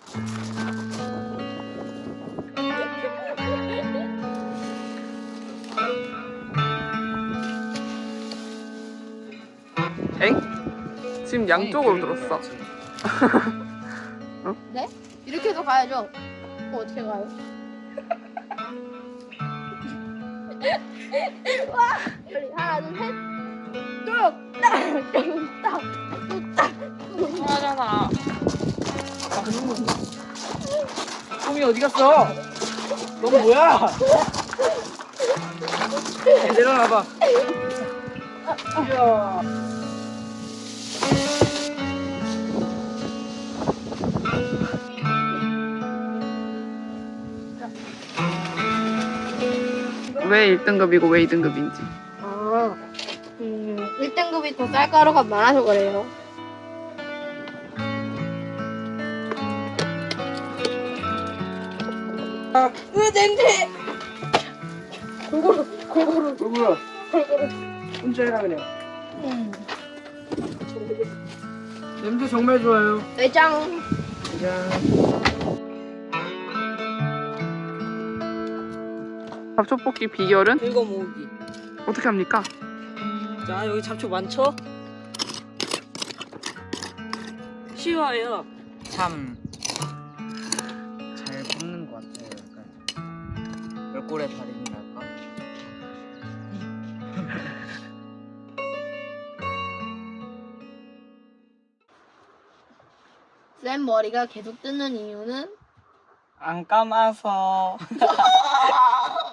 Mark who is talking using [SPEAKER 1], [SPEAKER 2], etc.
[SPEAKER 1] 엥? 지금 양쪽으로 들었어.
[SPEAKER 2] 네? 이렇게 해서 가야죠. 어떻게 가요? 와! 빨리 하나, 둘, 셋. 뚝!
[SPEAKER 1] 하잖아.
[SPEAKER 3] 꿈이 어디 갔어? 넌 뭐야? 내려놔봐. 이야.
[SPEAKER 1] 왜 1등급이고 왜 2등급인지.
[SPEAKER 2] 아, 1등급이 더 쌀가루가 많아서 그래요. 냄새! 골고루.
[SPEAKER 3] 누구야? 혼자 해라 그냥. 냄새 정말 좋아요.
[SPEAKER 2] 내장.
[SPEAKER 3] 짠.
[SPEAKER 1] 잡초볶이 비결은
[SPEAKER 4] 긁어 모으기.
[SPEAKER 1] 어떻게 합니까?
[SPEAKER 4] 자, 여기 잡초 많죠? 쉬워요.
[SPEAKER 5] 참 잘 볶는 것 같아요. 약간 얼굴에 바르기랄까?
[SPEAKER 2] 쌤 머리가 계속 뜨는 이유는
[SPEAKER 5] 안 감아서